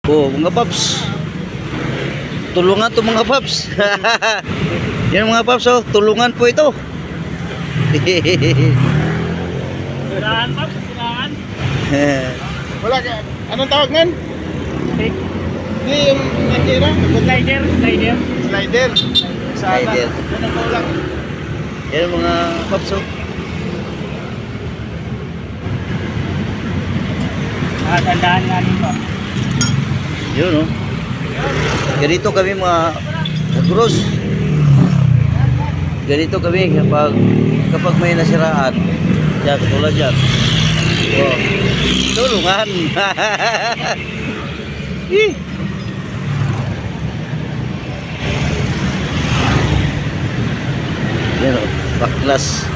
Oh, mga paps. Tulungan to mga paps. Yan mga paps, oh, tulungan po ito. Sirahan paps, sirahan. Wala ka. Anong tawag nun? Take. Hindi yung nakira. Slider, slider. Slider. Slider. Yan ang kulang. Yan mga paps, oh. Tandaan nga nito. Yun, oh. Ganito kami mga kagros. Ganito kami kapag may nasiraan. Yan, katulad yan. Oh. Tulungan. Yan, oh. Baklas.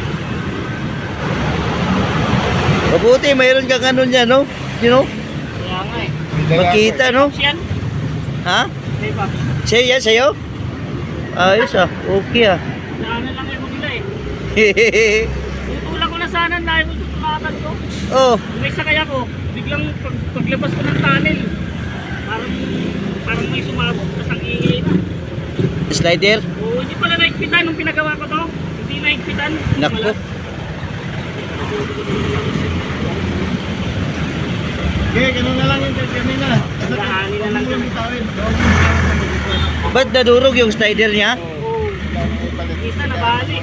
Mabuti, mayroon kang ano niya, no? You know? Kaya nga eh. Makita, no? Paps yan. Ha? Hey paps. Sa'yo yan, sa'yo? Ayos ah, okay ah. Daanan lang yung nila eh. Tutulak ko na sana dahil mo tutulakan ko. Oh, May sakay ako. Biglang paglabas ko ng tunnel. Parang may sumabog. Tapos ang ingay na. slider? Oo, hindi pala naigpitan nung pinagawa ko to. Hindi naigpitan. Nako. Okay, ganun na lang yung kanina. Daanin na lang kami. Ba't nadurog yung slider niya? Oo. Isa na bali.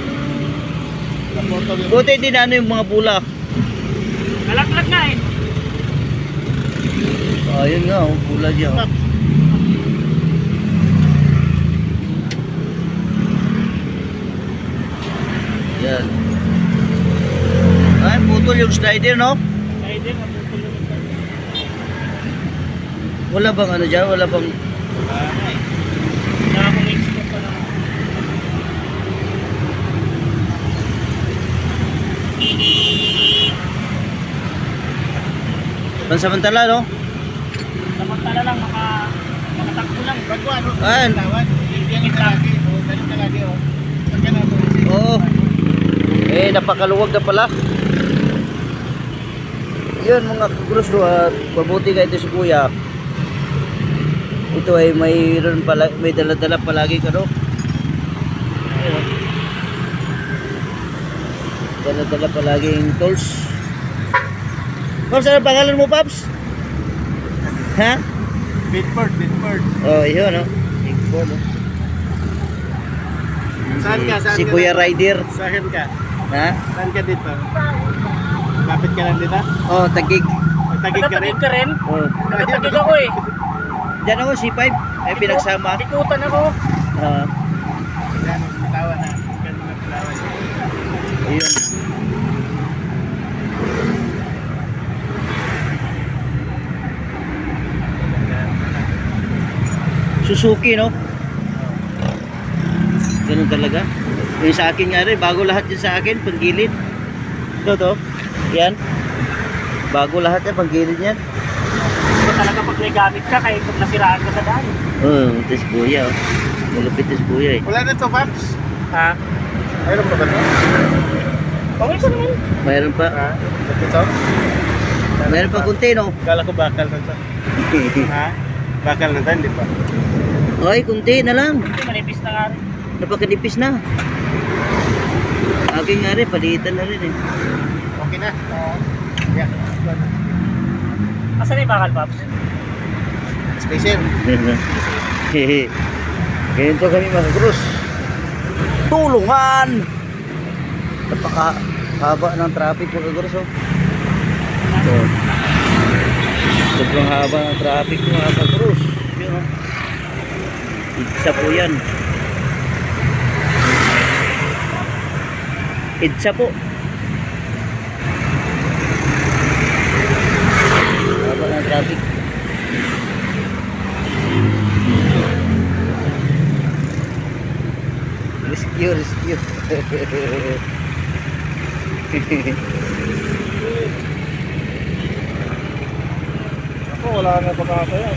Buti din ano yung mga bulak. Kalaglag na eh. Ayun nga, oh, bulak niya. Oh. Yan. Ay, putol yung slider, no? Dahil din, matutulog na. Wala bang ano dyan? Wala bang... Kaya akong expert pa na. Pansamantala, no? Samantala lang, makatakbo lang. Bago ano? Ayan. Tawad. Yan ang lagi. O, ganun na lagi. O. Pagka na Oo. Eh, napakaluwag na pala. Yun mga kagros, at mabuti ka ito si kuya. Ito ay mayroon pala, may dala-dala palagi ka, no? Ayun, oh. Dala-dala palagi yung tools. Paps, ano pangalan mo, Paps? Ha? Bedford. Oh, yun, no? Big Paul, no? Saan ka? Saan Si ka Kuya na? Rider. Saan ka? Ha? Saan ka dito? Kapit ka lang dito? Oh, Tagig. Tagig ka rin? Nakatagig ka rin? Oh. Nakatagig ako eh. Diyan ako, C5. Ay, pinagsama. Ikutan ako. Yan, tawa na. Ganun na tawa siya. Ayun. Suzuki, no? Ganun talaga. Yung sa akin nga rin, bago lahat yan sa akin, panggilid. Ito, to. Yan. Bago lahat yan, panggilid yan. Ito talaga pag may gamit ka, kaya pag nasiraan ka sa daan. Oh, ito si kuya, oh. Malupit ito si kuya, eh. Wala na to, Paps. Ha? Mayroon pa ba to? Okay pa naman. Mayroon pa. Ha? Ito? Mayroon pa kunti, no? Kala ko bakal na to. Ha? Bakal na to, hindi pa. Ay, kunti na lang. Hindi, manipis na nga rin. Napakanipis na. Akin nga rin, palitan na rin, eh. Okay na? Oo. Yeah. Asan yung bakal, Paps? Station. Hehe. Ganito kami mga krus. Tulungan! Napaka-haba ng traffic mga krus, oh. So, sobrang haba ng traffic mga krus. Yun, oh. Idsa po yan. Idsa po. Haba ng traffic. Rescue. Ako, wala na pagkakaya.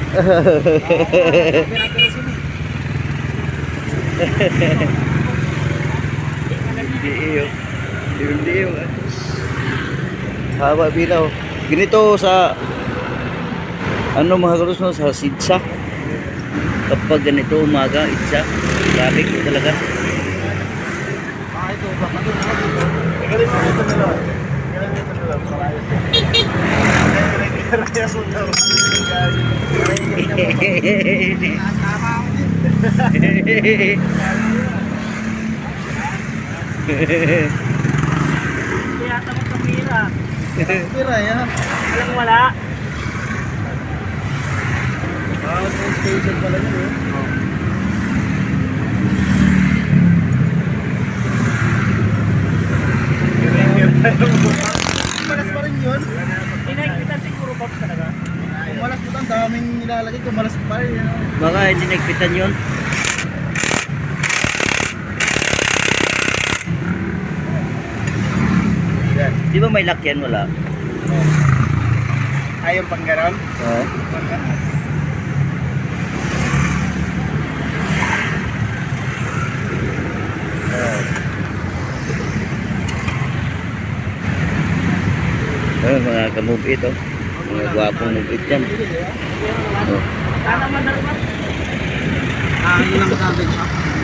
Liw. Haba bilaw. Ganito sa Ano mga kalusno sa Sidsa? Kapag ganito umaga, itsa. Traffic po talaga. Galing mo ito nila. Galing mo ito nila. Marayos. Kaya ko daw. Kaya tamang kamera. Pira yan. Walang wala. Station pala yun eh. Malas pa rin yun. Inaikpitan siguro Pops talaga. Kung malas po ang daming nilalagay, kung malas pa rin. Yun. Baka hindi nagpitan yun. Yan. Di ba may lakyan? Wala. Ayaw pang ganon. Oo. Mga kamubit oh. Mga gwapong mubit yan. Oh. Sana manarap. Yun lang sa atin siya.